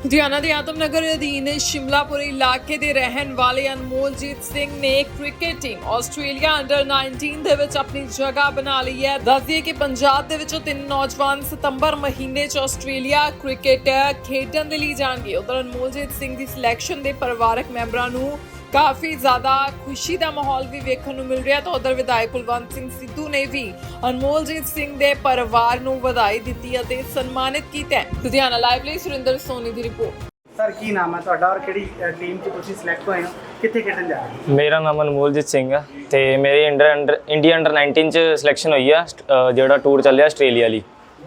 ਲੁਧਿਆਣਾ ਦੇ ਆਤਮਨਗਰ ਅਧੀਨ ਸ਼ਿਮਲਾਪੁਰੀ ਇਲਾਕੇ ਦੇ ਰਹਿਣ ਵਾਲੇ ਅਨਮੋਲਜੀਤ ਸਿੰਘ ਨੇ ਕ੍ਰਿਕਟ ਟੀਮ ਆਸਟ੍ਰੇਲੀਆ ਅੰਡਰ 19 ਦੇ ਵਿੱਚ ਆਪਣੀ ਜਗ੍ਹਾ ਬਣਾ ਲਈ ਹੈ। ਦੱਸ ਦਈਏ ਕਿ ਪੰਜਾਬ ਦੇ ਵਿੱਚੋਂ 3 ਨੌਜਵਾਨ ਸਤੰਬਰ ਮਹੀਨੇ 'ਚ ਆਸਟ੍ਰੇਲੀਆ ਕ੍ਰਿਕਟ ਖੇਡਣ ਦੇ ਲਈ ਜਾਣਗੇ। ਉਧਰ ਅਨਮੋਲਜੀਤ ਸਿੰਘ ਦੀ ਸਿਲੈਕਸ਼ਨ ਦੇ ਪਰਿਵਾਰਕ ਮੈਂਬਰਾਂ ਨੂੰ ਕਾਫੀ ਜ਼ਿਆਦਾ ਖੁਸ਼ੀ ਦਾ ਮਾਹੌਲ ਵੀ ਵੇਖਣ ਨੂੰ ਮਿਲ ਰਿਹਾ। ਤਾਂ ਉਧਰ ਵਿਧਾਇਕ ਕੁਲਵੰਤ ਸਿੰਘ ਸਿੱਧੂ ਨੇ ਵੀ ਅਨਮੋਲਜੀਤ ਸਿੰਘ ਦੇ ਪਰਿਵਾਰ ਨੂੰ ਵਧਾਈ ਦਿੱਤੀ ਅਤੇ ਸਨਮਾਨਿਤ ਕੀਤਾ ਹੈ। ਲੁਧਿਆਣਾ ਲਾਈਵ ਲਈ ਸੁਰਿੰਦਰ ਸੋਨੀ ਦੀ ਰਿਪੋਰਟ। ਸਰ ਕੀ ਨਾਮ ਹੈ ਤੁਹਾਡਾ ਔਰ ਕਿਹੜੀ ਟੀਮ 'ਚ ਤੁਸੀਂ ਸਿਲੈਕਟ ਹੋਏ ਹੋ, ਕਿੱਥੇ ਖੇਡਣ ਜਾ ਰਹੇ ਹੋ? ਮੇਰਾ ਨਾਮ ਅਨਮੋਲਜੀਤ ਸਿੰਘ ਹੈ ਤੇ ਮੇਰੀ ਇੰਡੀਆ ਅੰਡਰ 19 ਚ ਸਿਲੈਕਸ਼ਨ ਹੋਈ ਆ, ਜਿਹੜਾ ਟੂਰ ਚੱਲਿਆ ਆਸਟ੍ਰੇਲੀਆ ਲਈ।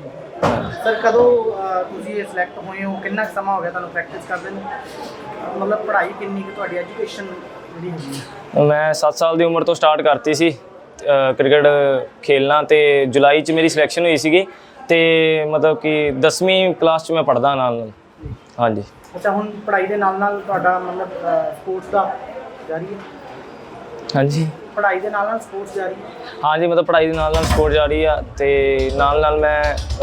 ਸਰ ਕਦੋਂ ਤੁਸੀਂ ਇਹ ਸਿਲੈਕਟ ਹੋਏ ਹੋ, ਕਿੰਨਾ ਕੁ ਸਮਾਂ ਹੋ ਗਿਆ ਤੁਹਾਨੂੰ ਪ੍ਰੈਕਟਿਸ ਕਰਦੇ ਨੂੰ? ਮਤਲਬ ਪੜ੍ਹਾਈ ਕਿੰਨੀ ਕੁ ਤੁਹਾਡੀ ਐਜੂਕੇਸ਼ਨ ਜਿਹੜੀ ਹੈਗੀ ਹੈ? ਮੈਂ 7 ਸਾਲ ਦੀ ਉਮਰ ਤੋਂ ਸਟਾਰਟ ਕਰਤੀ ਸੀ ਕ੍ਰਿਕਟ ਖੇਲਣਾ ਤੇ ਜੁਲਾਈ ਚ ਮੇਰੀ ਸਿਲੈਕਸ਼ਨ ਹੋਈ ਸੀਗੀ ਤੇ ਮਤਲਬ ਕਿ 10ਵੀਂ ਕਲਾਸ ਚ ਮੈਂ ਪੜ੍ਹਦਾ ਨਾਲ। ਹਾਂਜੀ। ਅੱਛਾ, ਹੁਣ ਪੜ੍ਹਾਈ ਦੇ ਨਾਲ ਨਾਲ ਤੁਹਾਡਾ ਮਤਲਬ ਸਪੋਰਟਸ ਦਾ ਜਾਰੀ ਹੈ? ਹਾਂਜੀ, ਪੜ੍ਹਾਈ ਦੇ ਨਾਲ ਨਾਲ ਸਪੋਰਟਸ ਜਾਰੀ ਹੈ? ਹਾਂਜੀ, ਮਤਲਬ ਪੜ੍ਹਾਈ ਦੇ ਨਾਲ ਨਾਲ ਸਪੋਰਟ ਜਾਰੀ ਆ ਤੇ ਨਾਲ ਨਾਲ ਮੈਂ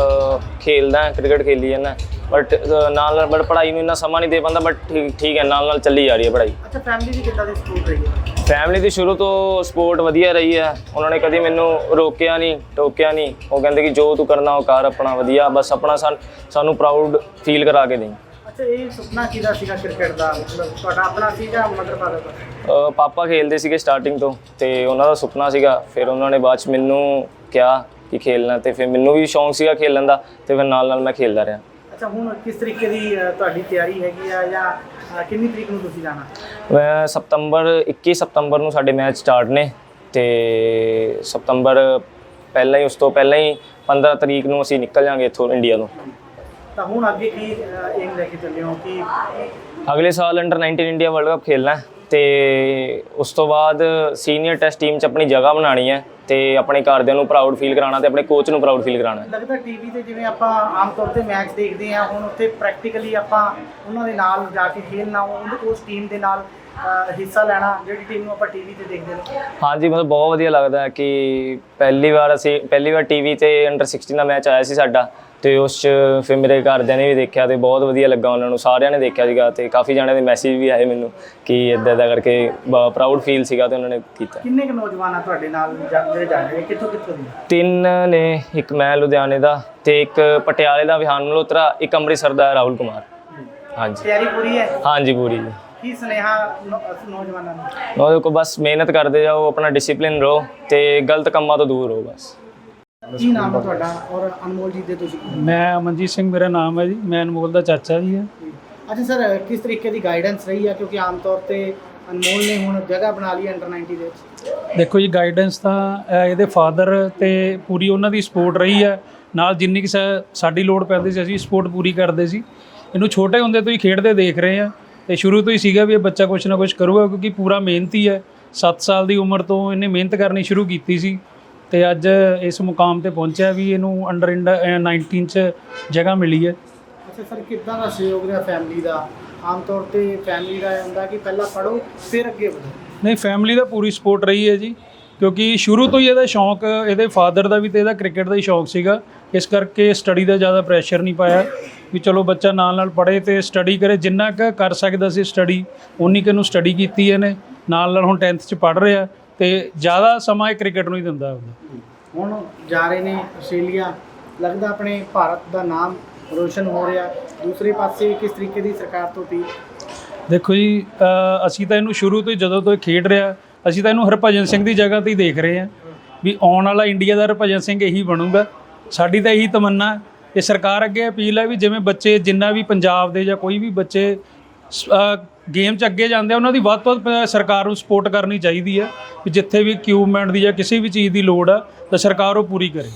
ਖੇਲਦਾ ਕ੍ਰਿਕਟ ਖੇਲੀ ਜਾਂਦਾ ਬਟ ਨਾਲ ਪੜ੍ਹਾਈ ਨੂੰ ਇੰਨਾ ਸਮਾਂ ਨਹੀਂ ਦੇ ਪਾਉਂਦਾ ਬਟ ਠੀਕ ਹੈ, ਨਾਲ ਚੱਲੀ ਜਾ ਰਹੀ ਹੈ ਪੜ੍ਹਾਈ। ਅੱਛਾ, ਫੈਮਿਲੀ ਦੀ ਕਿੱਦਾਂ ਦੀ ਸਪੋਰਟ ਰਹੀ ਹੈ? ਫੈਮਿਲੀ ਦੀ ਸ਼ੁਰੂ ਤੋਂ ਸਪੋਰਟ ਵਧੀਆ ਰਹੀ ਹੈ। ਉਹਨਾਂ ਨੇ ਕਦੀ ਮੈਨੂੰ ਰੋਕਿਆ ਨਹੀਂ, ਟੋਕਿਆ ਨਹੀਂ। ਉਹ ਕਹਿੰਦੇ ਕਿ ਜੋ ਤੂੰ ਕਰਨਾ ਉਹ ਕਰ, ਆਪਣਾ ਵਧੀਆ, ਬਸ ਆਪਣਾ ਸਾਨੂੰ ਪ੍ਰਾਊਡ ਫੀਲ ਕਰਾ ਕੇ ਦੇਈਂ। ਅੱਛਾ, ਇਹ ਸੁਪਨਾ ਕਿਹਦਾ ਸੀਗਾ ਕ੍ਰਿਕਟ ਦਾ? ਮਤਲਬ ਤੁਹਾਡਾ ਆਪਣਾ ਸੀ ਜਾਂ ਮਦਰ ਫਾਦਰ ਦਾ? ਪਾਪਾ ਖੇਲਦੇ ਸੀਗੇ ਸਟਾਰਟਿੰਗ ਤੋਂ ਤੇ ਉਹਨਾਂ ਦਾ ਸੁਪਨਾ ਸੀਗਾ। ਫਿਰ ਉਹਨਾਂ ਨੇ ਬਾਅਦ 'ਚ ਮੈਨੂੰ ਕਿਹਾ ਕਿ ਖੇਲਣਾ ਤੇ ਫਿਰ ਮੈਨੂੰ ਵੀ ਸ਼ੌਂਕ ਸੀਗਾ ਖੇਲਣ ਦਾ ਤੇ ਫਿਰ ਨਾਲ ਮੈਂ ਖੇਲਦਾ ਰਿਹਾ। ਅੱਛਾ, ਹੁਣ ਕਿਸ ਤਰੀਕੇ ਦੀ ਤੁਹਾਡੀ ਤਿਆਰੀ ਹੈਗੀ ਆ ਜਾਂ ਕਿੰਨੀ ਤਰੀਕ ਨੂੰ ਤੁਸੀਂ ਜਾਣਾ? ਮੈਂ 21 ਸਤੰਬਰ ਨੂੰ ਸਾਡੇ ਮੈਚ ਸਟਾਰਟ ਨੇ ਤੇ ਸਤੰਬਰ ਪਹਿਲਾਂ ਹੀ, ਉਸ ਤੋਂ ਪਹਿਲਾਂ ਹੀ 15 ਤਰੀਕ ਨੂੰ ਅਸੀਂ ਨਿਕਲ ਜਾਵਾਂਗੇ ਇੱਥੋਂ ਇੰਡੀਆ ਤੋਂ। ਤਾਂ ਹੁਣ ਅੱਗੇ ਕੀ ਏਮ ਲੈ ਕੇ ਚੱਲੇ ਹੋ? ਕਿ ਅਗਲੇ ਸਾਲ ਅੰਡਰ 19 ਇੰਡੀਆ ਵਰਲਡ ਕੱਪ ਖੇਲਣਾ ਤੇ ਉਸ ਤੋਂ ਬਾਅਦ ਸੀਨੀਅਰ ਟੈਸਟ ਟੀਮ 'ਚ ਆਪਣੀ ਜਗ੍ਹਾ ਬਣਾਉਣੀ ਹੈ ਤੇ ਆਪਣੇ ਘਰਦਿਆਂ ਨੂੰ ਪ੍ਰਾਊਡ ਫੀਲ ਕਰਾਉਣਾ ਤੇ ਆਪਣੇ ਕੋਚ ਨੂੰ ਪ੍ਰਾਊਡ ਫੀਲ ਕਰਾਉਣਾ। ਲੱਗਦਾ ਟੀਵੀ ਤੇ ਜਿਵੇਂ ਆਪਾਂ ਆਮ ਤੌਰ ਤੇ ਮੈਚ ਦੇਖਦੇ ਹਾਂ, ਹੁਣ ਉੱਥੇ ਪ੍ਰੈਕਟੀਕਲੀ ਆਪਾਂ ਉਹਨਾਂ ਦੇ ਨਾਲ ਜਾ ਕੇ ਖੇਲਣਾ, ਉਸ ਟੀਮ ਦੇ ਨਾਲ ਹਿੱਸਾ ਲੈਣਾ ਜਿਹੜੀ ਟੀਮ ਨੂੰ ਆਪਾਂ ਟੀਵੀ ਤੇ ਦੇਖਦੇ ਨੇ। ਹਾਂਜੀ, ਮਤਲਬ ਬਹੁਤ ਵਧੀਆ ਲੱਗਦਾ ਕਿ ਪਹਿਲੀ ਵਾਰ ਟੀਵੀ ਤੇ ਅੰਡਰ 16 ਦਾ ਮੈਚ ਆਇਆ ਸੀ ਸਾਡਾ ਤੇ ਉਸ 'ਚ ਫਿਰ ਮੇਰੇ ਘਰਦਿਆਂ ਨੇ ਵੀ ਦੇਖਿਆ ਤੇ ਬਹੁਤ ਵਧੀਆ ਲੱਗਾ ਉਹਨਾਂ ਨੂੰ, ਸਾਰਿਆਂ ਨੇ ਦੇਖਿਆ ਸੀਗਾ ਤੇ ਕਾਫੀ ਜਣਿਆਂ ਦੇ ਮੈਸੇਜ ਵੀ ਆਏ ਮੈਨੂੰ ਕਿ ਇੱਦਾਂ ਕਰਕੇ ਪ੍ਰਾਊਡ ਫੀਲ ਸੀਗਾ ਤੇ ਉਹਨਾਂ ਨੇ ਕੀਤਾ। ਕਿੰਨੇ ਕੁ ਨੌਜਵਾਨ ਆ ਤੁਹਾਡੇ ਨਾਲ ਜਿਹੜੇ ਜਾ ਰਹੇ, ਕਿੱਥੋਂ ਕਿੱਥੋਂ ਦੇ? 3 ਨੇ, ਇੱਕ ਮੈਂ ਲੁਧਿਆਣੇ ਦਾ ਤੇ ਇੱਕ ਪਟਿਆਲੇ ਦਾ ਵਿਹਾਨ ਮਲਹੋਤਰਾ, ਇੱਕ ਅੰਮ੍ਰਿਤਸਰ ਦਾ ਰਾਹੁਲ ਕੁਮਾਰ। ਹਾਂਜੀ। ਤਿਆਰੀ ਪੂਰੀ ਹੈ? ਹਾਂਜੀ, ਪੂਰੀ। ਕੀ ਸੁਨੇਹਾ ਨੌਜਵਾਨਾਂ ਨੂੰ? ਉਹਦੇ ਕੋਲ ਬਸ ਮਿਹਨਤ ਕਰਦੇ ਜਾਓ, ਆਪਣਾ ਡਿਸਿਪਲਿਨ ਰਹੋ ਤੇ ਗਲਤ ਕੰਮਾਂ ਤੋਂ ਦੂਰ ਰਹੋ ਬਸ। ਕੀ ਨਾਮ ਹੈ ਤੁਹਾਡਾ ਔਰ ਅਨਮੋਲਜੀਤ ਦੇ ਤੁਸੀਂ? ਮੈਂ ਅਮਨਜੀਤ ਸਿੰਘ ਮੇਰਾ ਨਾਮ ਹੈ ਜੀ, ਮੈਂ ਅਨਮੋਲ ਦਾ ਚਾਚਾ ਜੀ ਹਾਂ। ਅੱਛਾ ਸਰ, ਕਿਸ ਤਰੀਕੇ ਦੀ ਗਾਈਡੈਂਸ ਰਹੀ ਹੈ? ਕਿਉਂਕਿ ਆਮ ਤੌਰ ਤੇ ਅਨਮੋਲ ਨੇ ਹੁਣ ਜਗ੍ਹਾ ਬਣਾ ਲਈ ਅੰਡਰ 90 ਦੇ ਵਿੱਚ। ਦੇਖੋ ਜੀ, ਗਾਈਡੈਂਸ ਤਾਂ ਇਹਦੇ ਫਾਦਰ ਤੇ ਪੂਰੀ ਉਹਨਾਂ ਦੀ ਸਪੋਰਟ ਰਹੀ ਹੈ। ਨਾਲ ਜਿੰਨੀ ਕਿ ਸਾਡੀ ਲੋੜ ਪੈਂਦੀ ਸੀ ਅਸੀਂ ਸਪੋਰਟ ਪੂਰੀ ਕਰਦੇ ਸੀ। ਇਹਨੂੰ ਛੋਟੇ ਹੁੰਦੇ ਤੋਂ ਹੀ ਖੇਡਦੇ ਦੇਖ ਰਹੇ ਹਾਂ ਤੇ ਸ਼ੁਰੂ ਤੋਂ ਹੀ ਸੀਗਾ ਵੀ ਇਹ ਬੱਚਾ ਕੁਛ ਨਾ ਕੁਛ ਕਰੂਗਾ ਕਿਉਂਕਿ ਪੂਰਾ ਮਿਹਨਤੀ ਹੈ। 7 ਸਾਲ ਦੀ ਉਮਰ ਤੋਂ ਇਹਨੇ ਮਿਹਨਤ ਕਰਨੀ ਸ਼ੁਰੂ ਕੀਤੀ ਸੀ ਤੇ ਅੱਜ ਇਸ ਮੁਕਾਮ ਤੇ ਪਹੁੰਚਿਆ ਵੀ ਇਹਨੂੰ ਅੰਡਰ 19 ਚ ਜਗ੍ਹਾ ਮਿਲੀ ਹੈ। ਅੱਛਾ ਸਰ, ਕਿੱਦਾਂ ਦਾ ਸਹਿਯੋਗ ਰਿਹਾ ਫੈਮਿਲੀ ਦਾ? ਆਮ ਤੌਰ ਤੇ ਫੈਮਿਲੀ ਦਾ ਇਹ ਹੁੰਦਾ ਕਿ ਪਹਿਲਾਂ ਪੜ੍ਹੋ ਫਿਰ ਅੱਗੇ ਵਧੋ। ਨਹੀਂ, ਫੈਮਿਲੀ ਦਾ ਪੂਰੀ ਸਪੋਰਟ ਰਹੀ ਹੈ ਜੀ, ਕਿਉਂਕਿ ਸ਼ੁਰੂ ਤੋਂ ਹੀ ਇਹਦਾ ਸ਼ੌਂਕ, ਇਹਦੇ ਫਾਦਰ ਦਾ ਵੀ ਤੇ ਇਹਦਾ ਕ੍ਰਿਕਟ ਦਾ ਹੀ ਸ਼ੌਂਕ ਸੀਗਾ। ਇਸ ਕਰਕੇ ਸਟੱਡੀ ਦਾ ਜ਼ਿਆਦਾ ਪ੍ਰੈਸ਼ਰ ਨਹੀਂ ਪਾਇਆ ਵੀ ਚਲੋ ਬੱਚਾ ਨਾਲ ਪੜ੍ਹੇ ਤੇ ਸਟੱਡੀ ਕਰੇ। ਜਿੰਨਾ ਕੁ ਕਰ ਸਕਦਾ ਸੀ ਸਟੱਡੀ ਉਨੀ ਕੁ ਨੂੰ ਸਟੱਡੀ ਕੀਤੀ ਇਹਨੇ। ਨਾਲ ਹੁਣ 10th 'ਚ ਪੜ੍ਹ ਰਿਹਾ ਤੇ ਜ਼ਿਆਦਾ ਸਮਾਂ ਇਹ ਕ੍ਰਿਕਟ ਨੂੰ ਹੀ ਦਿੰਦਾ ਹੁੰਦਾ। ਹੁਣ ਜਾ ਰਹੇ ਨੇ ਆਸਟ੍ਰੇਲੀਆ, ਲੱਗਦਾ ਆਪਣੇ ਭਾਰਤ ਦਾ ਨਾਮ ਰੋਸ਼ਨ ਹੋ ਰਿਹਾ। ਦੂਸਰੇ ਪਾਸੇ ਕਿਸ ਤਰੀਕੇ ਦੀ ਸਰਕਾਰ ਤੋਂ ਅਪੀਲ? ਦੇਖੋ ਜੀ, ਅਸੀਂ ਤਾਂ ਇਹਨੂੰ ਸ਼ੁਰੂ ਤੋਂ ਹੀ, ਜਦੋਂ ਤੋਂ ਇਹ ਖੇਡ ਰਿਹਾ, ਅਸੀਂ ਤਾਂ ਇਹਨੂੰ ਹਰਭਜਨ ਸਿੰਘ ਦੀ ਜਗ੍ਹਾ 'ਤੇ ਹੀ ਦੇਖ ਰਹੇ ਹਾਂ ਵੀ ਆਉਣ ਵਾਲਾ ਇੰਡੀਆ ਦਾ ਹਰਭਜਨ ਸਿੰਘ ਇਹੀ ਬਣੂਗਾ। ਸਾਡੀ ਤਾਂ ਇਹੀ ਤਮੰਨਾ। ਇਹ ਸਰਕਾਰ ਅੱਗੇ ਅਪੀਲ ਹੈ ਵੀ ਜਿਵੇਂ ਬੱਚੇ ਜਿੰਨਾ ਵੀ ਪੰਜਾਬ ਦੇ ਜਾਂ ਕੋਈ ਵੀ ਬੱਚੇ ਗੇਮ 'ਚ ਅੱਗੇ ਜਾਂਦੇ ਆ, ਉਹਨਾਂ ਦੀ ਵੱਧ ਤੋਂ ਵੱਧ ਸਰਕਾਰ ਨੂੰ ਸਪੋਰਟ ਕਰਨੀ ਚਾਹੀਦੀ ਹੈ ਵੀ ਜਿੱਥੇ ਵੀ ਇਕਵਿਪਮੈਂਟ ਦੀ ਜਾਂ ਕਿਸੇ ਵੀ ਚੀਜ਼ ਦੀ ਲੋੜ ਆ ਤਾਂ ਸਰਕਾਰ ਉਹ ਪੂਰੀ ਕਰੇ।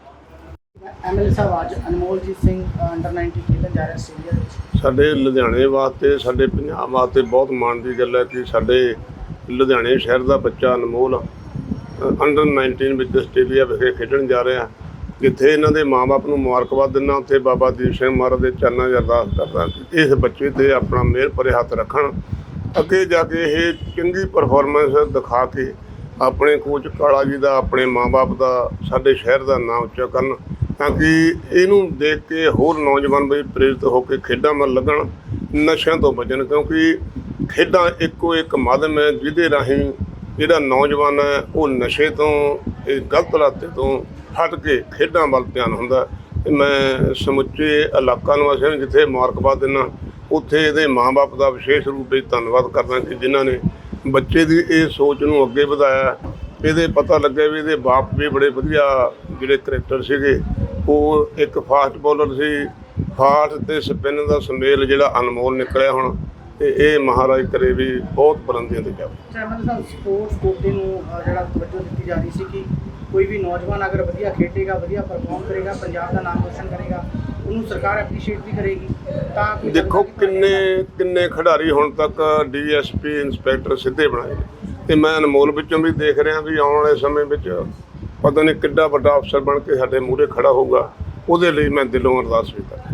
ਐਮਐਲਏ ਸਾਹਿਬ, ਅੱਜ ਅਨਮੋਲਜੀਤ ਸਿੰਘ ਅੰਡਰ 90 ਖੇਡਣ ਜਾ ਰਿਹਾ ਆਸਟ੍ਰੇਲੀਆ ਵਿੱਚ। ਸਾਡੇ ਲੁਧਿਆਣੇ ਵਾਸਤੇ, ਸਾਡੇ ਪੰਜਾਬ ਵਾਸਤੇ ਬਹੁਤ ਮਾਣ ਦੀ ਗੱਲ ਹੈ ਕਿ ਸਾਡੇ ਲੁਧਿਆਣੇ ਸ਼ਹਿਰ ਦਾ ਬੱਚਾ ਅਨਮੋਲ ਅੰਡਰ 19 ਵਿੱਚ ਆਸਟ੍ਰੇਲੀਆ ਵਿਖੇ ਖੇਡਣ ਜਾ ਰਿਹਾ। ਜਿੱਥੇ ਇਹਨਾਂ ਦੇ ਮਾਂ-ਬਾਪ ਨੂੰ ਮੁਬਾਰਕਬਾਦ ਦਿੰਦਾ, ਉੱਥੇ ਬਾਬਾ ਦੀਪ ਸਿੰਘ ਮਹਾਰਾਜ ਦੇ ਚਰਨਾਂ 'ਚ ਅਰਦਾਸ ਕਰਦਾ ਕਿ ਇਸ ਬੱਚੇ 'ਤੇ ਆਪਣਾ ਮਿਹਰ ਭਰੇ ਹੱਥ ਰੱਖਣ, ਅੱਗੇ ਜਾ ਕੇ ਇਹ ਚੰਗੀ ਪਰਫਾਰਮੈਂਸ ਦਿਖਾ ਕੇ ਆਪਣੇ ਕੋਚ ਕਾਲਾ ਜੀ ਦਾ, ਆਪਣੇ ਮਾਂ-ਬਾਪ ਦਾ, ਸਾਡੇ ਸ਼ਹਿਰ ਦਾ ਨਾਮ ਉੱਚਾ ਕਰਨ। ਤਾਂ ਕਿ ਇਹਨੂੰ ਦੇਖ ਕੇ ਹੋਰ ਨੌਜਵਾਨ ਵੀ ਪ੍ਰੇਰਿਤ ਹੋ ਕੇ ਖੇਡਾਂ ਵੱਲ ਲੱਗਣ, ਨਸ਼ਿਆਂ ਤੋਂ ਬਚਣ, ਕਿਉਂਕਿ ਖੇਡਾਂ ਇੱਕੋ ਇੱਕ ਮਾਧਿਅਮ ਹੈ ਜਿਹਦੇ ਰਾਹੀਂ ਜਿਹੜਾ ਨੌਜਵਾਨ ਹੈ ਉਹ ਨਸ਼ੇ ਤੋਂ, ਇਹ ਗਲਤ ਰਾਸਤੇ ਤੋਂ ਹਟ ਕੇ ਖੇਡਾਂ ਵੱਲ ਧਿਆਨ ਹੁੰਦਾ। ਤੇ ਮੈਂ ਸਮੁੱਚੇ ਇਲਾਕਾ ਨਿਵਾਸੀਆਂ ਨੂੰ ਜਿੱਥੇ ਮੁਬਾਰਕਬਾਦ ਦਿੰਦਾ, ਉੱਥੇ ਇਹਦੇ ਮਾਂ-ਬਾਪ ਦਾ ਵਿਸ਼ੇਸ਼ ਰੂਪ ਵਿੱਚ ਧੰਨਵਾਦ ਕਰਦਾ ਕਿ ਜਿਨ੍ਹਾਂ ਨੇ ਬੱਚੇ ਦੀ ਇਹ ਸੋਚ ਨੂੰ ਅੱਗੇ ਵਧਾਇਆ। ਇਹਦੇ ਪਤਾ ਲੱਗਿਆ ਵੀ ਇਹਦੇ ਬਾਪ ਵੀ ਬੜੇ ਵਧੀਆ ਜਿਹੜੇ ਕਰੈਕਟਰ ਸੀਗੇ, ਉਹ ਇੱਕ ਫਾਸਟ ਬੋਲਰ ਸੀ, ਫਾਸਟ ਤੇ ਸਪਿਨ ਦਾ ਸੁਮੇਲ ਜਿਹੜਾ ਅਨਮੋਲ ਨਿਕਲਿਆ ਹੁਣ, ਤੇ ਇਹ ਮਹਾਰਾਜ ਕਰੇ ਵੀ ਬਹੁਤ ਬੁਲੰਦੀਆਂ ਤੇ ਜਾਵੇ। ਚੈਮਨ ਸਾਹਿਬ, ਸਪੋਰਟਸ ਕੋਟੇ ਨੂੰ ਜਿਹੜਾ ਤਵੱਜੋ ਦਿੱਤੀ ਜਾ ਰਹੀ ਸੀ ਕਿ ਕੋਈ ਵੀ ਨੌਜਵਾਨ ਅਗਰ ਵਧੀਆ ਖੇਡੇਗਾ, ਵਧੀਆ ਪਰਫਾਰਮ ਕਰੇਗਾ, ਪੰਜਾਬ ਦਾ ਨਾਮ ਰੋਸ਼ਨ ਕਰੇਗਾ, ਉਹਨੂੰ ਸਰਕਾਰ ਐਪਰੀਸ਼ੀਏਟ ਵੀ ਕਰੇਗੀ। ਤਾਂ ਕੋਈ ਦੇਖੋ ਕਿੰਨੇ ਖਿਡਾਰੀ ਹੁਣ ਤੱਕ DSP ਇੰਸਪੈਕਟਰ ਸਿੱਧੇ ਬਣਾਏ ਨੇ, ਤੇ ਮੈਂ ਅਨਮੋਲ ਵਿੱਚੋਂ ਵੀ ਦੇਖ ਰਿਹਾ ਵੀ ਆਉਣ ਵਾਲੇ ਸਮੇਂ ਵਿੱਚ ਪਤਾ ਨਹੀਂ ਕਿੱਡਾ ਵੱਡਾ ਅਫਸਰ ਬਣ ਕੇ ਸਾਡੇ ਮੂਹਰੇ ਖੜਾ ਹੋਊਗਾ। ਉਹਦੇ ਲਈ ਮੈਂ ਦਿਲੋਂ ਅਰਦਾਸ ਵੀ ਕਰਦਾ।